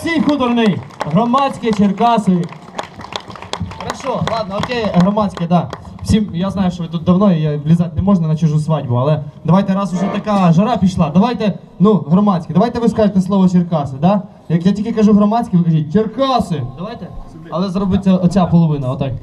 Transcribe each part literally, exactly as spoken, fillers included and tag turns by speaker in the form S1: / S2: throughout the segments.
S1: Олексій Худорний, громадське Черкаси. Хорошо, ладно, окей, громадське, да. Всім, я знаю, що ви тут давно, і влізати не можна на чужу свадьбу, але давайте, раз уже така жара пішла, давайте, ну, громадське, давайте ви скажете слово Черкаси, да? Як я тільки кажу громадське, ви кажіть Черкаси. Давайте? Але зробиться оця половина, отак.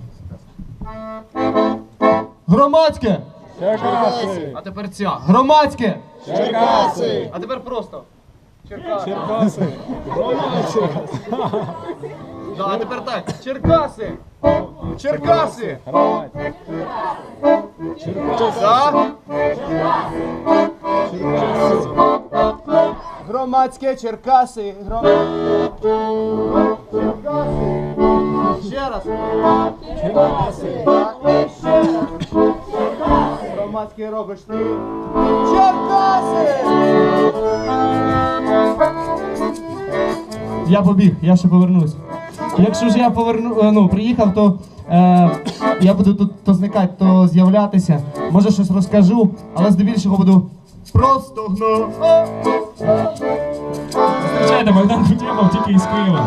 S1: Громадське!
S2: Черкаси!
S1: А тепер ця. Громадське!
S2: Черкаси!
S1: А тепер просто. Черкаси.
S2: Черкаси! Громадське!
S1: Да, а тепер так. Черкаси! Черкаси!
S2: Громадське! Черкаси!
S1: Да?
S2: Черкаси!
S1: Громадське Черкаси! Громадське! Ще раз!
S2: Черкаси!
S1: Громадське робиш ти! Черкаси! Я побіг, я ще повернусь. Якщо ж я поверну, ну, приїхав, то е, я буду тут то зникати, то з'являтися. Може щось розкажу, але здебільшого буду просто гно.
S3: Зустрічайте, Богдан Кутєпов тільки із Києва.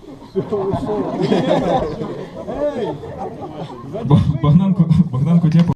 S3: Богдан, Богдан Кутєпов.